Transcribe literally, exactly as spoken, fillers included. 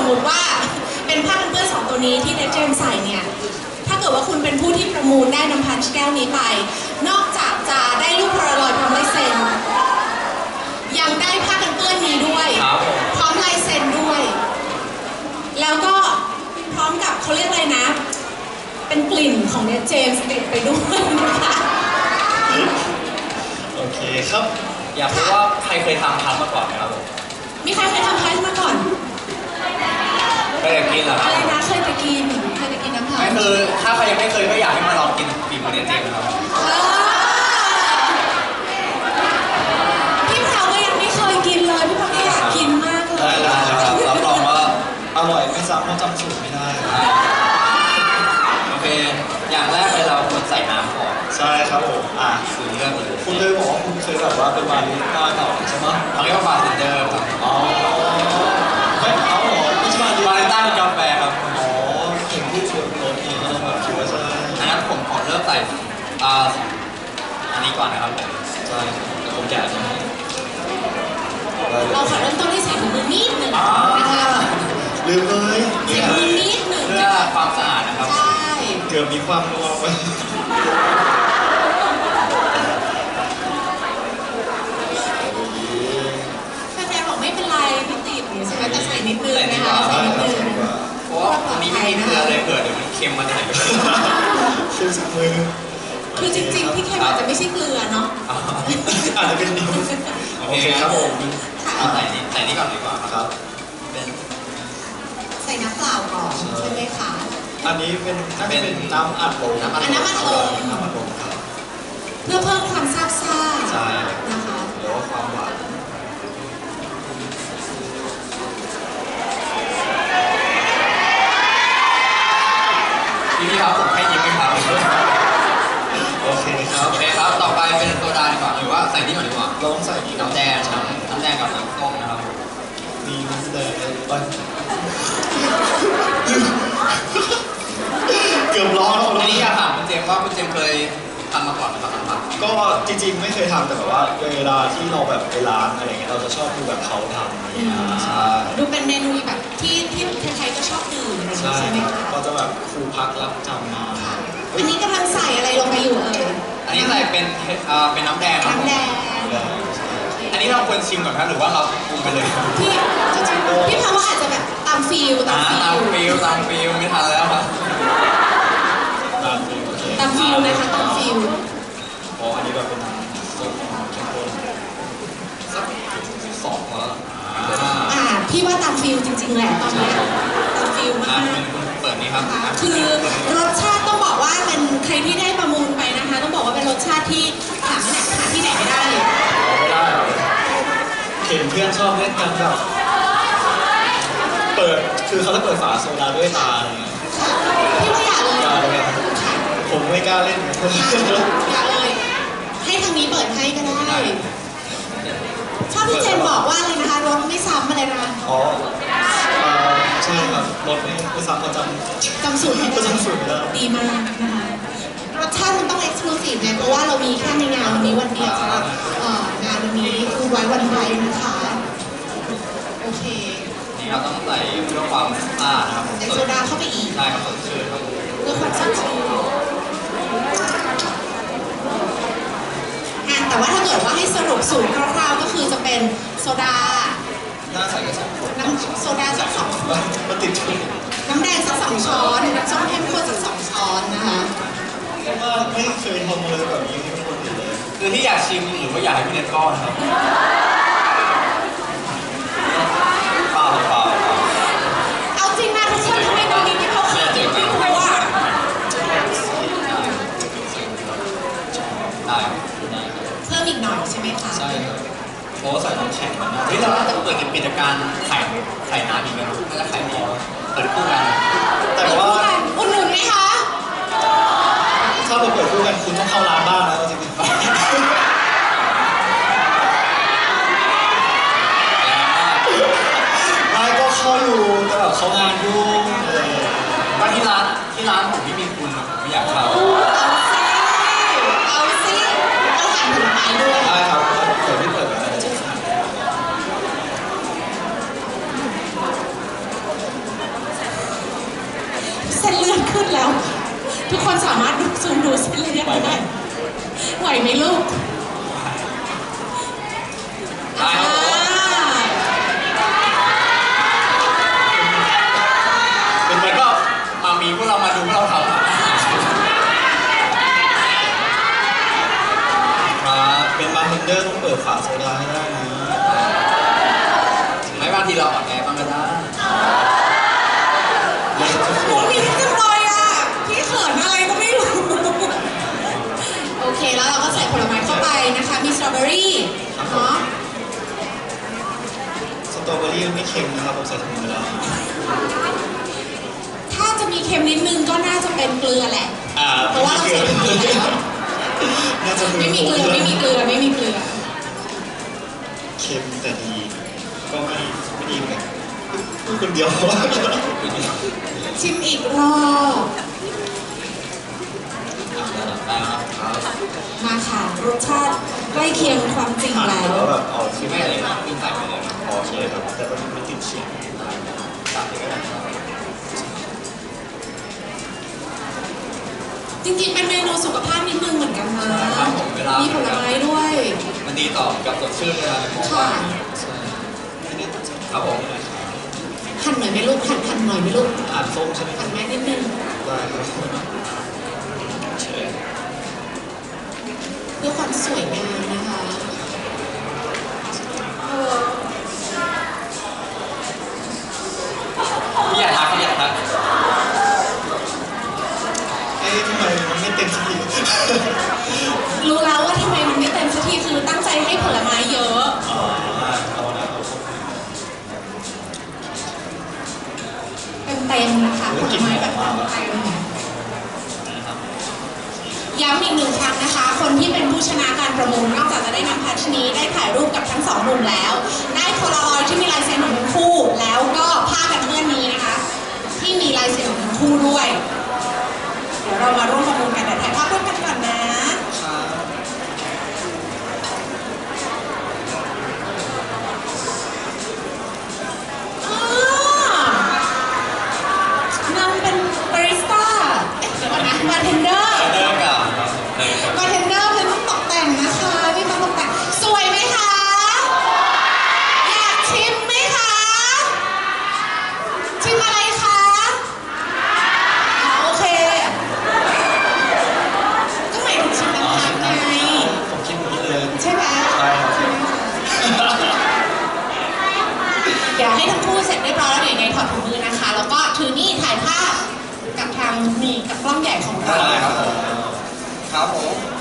มมติว่าเป็นผ้ากันเปื้อนสองตัวนี้ที่เนเจมใส่เนี่ยถ้าเกิดว่าคุณเป็นผู้ที่ประมูลได้น้ำพันช์แก้วนี้ไปนอกจากจะได้รูปโพลารอยด์พร้อมลายเซ็นยังได้ผ้ากันเปื้อนนี้ด้วยพร้อมลายเซ็นด้วยแล้วก็พร้อมกับเขาเรียกอะไรนะเป็นกลิ่นของเนเจมส์ติดไปด้วยนะคะโอเคครับอยากรู้ว่าใครเคยทำพันมาก่อนไหมครับผมมีใครเคยทำพันมาก่อนเคยกินเหรอครับอะไรนะเคยไปกินเคยไปกินน้ำพันไม่คือถ้าใครยังไม่เคยก็อยากให้มาลองกินฝีมือเนเจมส์ครับพี่เผาก็ยังไม่เคยกินเลยพี่เผาก็อยากกินมากเลยได้ได้ครับรับรองว่าอร่อยไม่สามารถจำสูตรไม่ได้โอเคอย่างแรกเลยเราควรใส่น้ำก่อนใช่ครับผมอ่ะคือเรื่องเลยคุณเคยบอกว่าคุณเคยแบบว่าเป็นบาริสต้าเก่าใช่ไหมเขาเรียกว่าบาร์เทนเดอร์ครับอ๋อไม่เอาหรอไม่ใช่บาริสต้าเป็นกาแฟครับอ๋อเห็นที่ชวนรถเองก็ต้องแบบคิดว่าใช่อันนั้นผมขอเริ่มใส่อ่าอันนี้ก่อนนะครับผมใช่แต่ผมแก่ใช่ไหมเราขอเริ่มต้นที่ใส่ถุงมือนิดหนึ่งนะคะลืมเลยใส่ถุงมือนิดหนึ่งเพื่อความสะอาดนะครับใช่เกือบมีความนัวไปแฟนๆบอกไม่เป็นไรไม่ติดใช่ไหมแต่ใส่นิดนึงนะคะใส่นิดนึงเพราะว่าอันนี้ไม่มีเกลือเลยเผื่อเดี๋ยวมันเค็มมาไหนก็ไม่รู้เค็มสักมือคือจริงๆที่เค็มอาจจะไม่ใช่เกลือเนาะอาจจะเป็นนิ้วโอเคครับผมเอาใส่นี่ใส่นี่ก่อนดีกว่าครับเป็นใส่น้ำเปล่าก่อนใช่ไหมคะอันนี้เป็นน่าจะเป็นน้ำอัดลมน้ำอัดลมน้ำอัดลมน้ำอัดลมครับเพื่อเพิ่มความซาบซ่าใช่นะคะหรือว่าความหวานทีนี้ครับผมให้ยิ้มไหมครับโอเคครับโอเคครับต่อไปเป็นโซดาดีกว่าหรือว่าใส่นี่ก่อนดีกว่าเราต้องใส่น้ำแดงน้ำน้ำแดงกับน้ำส้มนะครับมีน้ำแดงไปเกือบร้อนอันนี้อยากถามคุณเจมส์ว่าคุณเจมส์เคยทำมาก่อนไหมครับทำก็จริงๆไม่เคยทำแต่แบบว่าเวลาที่เราแบบไปร้านอะไรเงี้ยเราจะชอบดูแบบเขาทำดูเป็นเมนูแบบที่ที่ใครๆก็ชอบดื่มใช่ไหมคะก็จะแบบครูพักรับจำมาอันนี้กำลังใส่อะไรลงไปอยู่เอ่ยอันนี้ใส่เป็นเอ่อเป็นน้ำแดงน้ำแดงอันนี้เราควรชิมก่อนครับหรือว่าเราปรุงไปเลยพี่พี่พาว่าอาจจะแบบตามฟิลตามฟิลตามฟิลตามฟิลไม่ทันแล้วครับตามฟิลนะคะตามฟิลอ๋ออันนี้แบบเป็นส้มเข้มข้นสักสองแล้วอ่าพี่ว่าตามฟิลจริงๆแหละตอนนี้ตามฟิลมากเปิดนี้ครับคือรสชาติต้องบอกว่าเป็นใครที่ได้ประมูลไปนะคะต้องบอกว่าเป็นรสชาติที่หาที่ไหนหาที่ไหนไม่ได้เลยไม่ได้เห็นเพื่อนชอบเล่นกันแบบเปิดคือเขาจะเปิดฝาโซดาด้วยตาอะไรเงี้ยพี่ว่าอย่าเลยอย่าเลยผมไม่กล้าเล่นอย่าเลยให้ทางนี้เปิดให้ก็ได้ชอบพี่เจมบอกว่าอะไรนะคะรถไม่ซ้ำอะไรนะอ๋อใช่ครับรถไม่ไม่ซ้ำเขาจำจำสูตรให้ได้จำสูตรได้ดีมากนะคะรสชาติมันต้องเอ็กซ์คลูซีฟไงเพราะว่าเรามีแค่ในงานวันนี้วันเดียวสำหรับงานวันนี้คือไว้วันไทยนะคะโอเคนี่เราต้องใส่เพื่อความสะอาดนะครับใส่โซดาเข้าไปอีกใช่ครับสดชื่นครับเพื่อความสดชื่นแต่ว่าถ้าเกิดว่าให้สรุปสูตรคร่าวๆก็คือจะเป็นโซดาน่าใส่ก็สองคนน้ำโซดาสักสองมันติดชุดน้ำแดงสักสองช้อนน้ำส้มเข้มข้นสักสองช้อนนะคะเพราะว่าไม่เคยทำเลยแบบนี้ให้คนอื่นเลยคือที่อยากชิมหรือว่าอยากให้พี่เนทก้อนครับเปล่าเปล่าเอาจริงนะทุกคนทำไมตอนนี้ที่เขาขาดไม่รู้อ่ะได้เพิ่มอีกหน่อยใช่ไหมคะใช่ครับเพราะว่าใส่น้ำแข็งมันเฮ้ยเราจะเปิดกิจการไข่ไข่น้ำอีกไหมน่าจะไข่ดีเปิดคู่กันแต่ว่าอุดหนุนไหมคะถ้าเราเปิดคู่กันคุณต้องเข้าร้านบ้างนะจริงๆไม่ก็เข้าอยู่แต่แบบเขางานยุ่งว่าที่ร้านที่ร้านผมไม่มีคุณผมไม่อยากเข้าเอาซิเอาหาผลไม้ด้วยใช่ครับเปิดไม่เปิดก็าโซดาให้ได้นะไม่บางทีเราอ่อนแอบ้างก็ได้เล่นทุกคโอ้นพี่จังเลยอ่ะ พี่เขินอะไรก็ไม่รู้ โอเคแล้วเราก็ใส่ผลไม้เข้าไปนะคะ มีสตรอเบอรี่เนาะสตรอเบอรี่ไม่เค็มนะครับผมใส่ถุงไปแล้วถ้าจะมีเค็มนิดนึงก็น่าจะเป็นเกลือแหละอ่าเพราะว่าเราใส่เกลือแล้วน่าจะไม่มีเกลือไม่มีเกลือไม่มีเกลือเค็มแต่ดี ก็ไม่ไม่ดีเหมือนกันพูดคนเดียวชิมอีกรอบได้ครับครับมาค่ะรสชาติใกล้เคียงความจริงอ่านแล้วแล้วแบบเอาคืคือ อไม่ไม่อะไรนะมีใส่ไปเลยนะโอเคครับแต่ว่ามันไม่ติดเสียงตัดเลยก็ได้ครับจริงๆเป็นเมนูสุขภาพนิดนึงเหมือนกันนะครับผมเวลามีผลไม้ด้วยมันดีต่อกับสดชื่นเวลาในหม้อค่ะใช่ไม่ได้ติดเสียงครับผมหั่นหน่อยไหมลูกหั่นหั่นหน่อยไหมลูกอ่านส้มใช่ไหมหั่นแม่นิดนึงได้ครับเชิญเพื่อความสวยงามนะคะเออพี่อยากทักพี่อยากทักเอ๊ะทำไมมันไม่เต็มสักทีรู้แล้วว่าทำไมมันไม่เต็มสักทีคือตั้งใจให้ผลไม้เยอะอ๋อเอานะเอาเต็มๆนะคะผลไม้แบบเต็มนะครับๆย้ำอีกหนึ่งครั้งนะคะ คนที่เป็นผู้ชนะการประมูลนอกจากจะได้นำพัชนี้ได้ถ่ายรูปกับทั้งสองหนุ่มแล้ว ได้โพลารอยด์ที่มีลายเซ็นของทั้งคู่ แล้วก็ผ้ากันเปื้อนนี้นะคะ ที่มีลายเซ็นของทั้งคู่ด้วย เดี๋ยวเรามาร่วมประมูลกันแต่ถ่ายภาพร่วมกันก่อนนะครับอ่านำเป็นบาริสต้าเอ๊ะเดี๋ยวก่อนนะบาร์เทนเดอร์เริ่มกับเลยครับบาร์เทนเดอร์เป็นต้องตกแต่งนะคะมีความตกแต่งสวยไหมคะ อยากชิมไหมคะ ชิมอะไรคะอ๋อโอเค ก็หมายถึงชิมน้ำพักไงผมคิดอย่างนี้เลยใช่ไหมใช่ครับใช่ไหมคะเดี๋ยวให้ทั้งคู่เสร็จเรียบร้อยแล้วเดี๋ยวยังไงถอดถุงมือนะคะ แล้วก็ถือนี่ถ่ายภาพกับทางนี่กับกล้องใหญ่ของเราได้ครับผมครับผม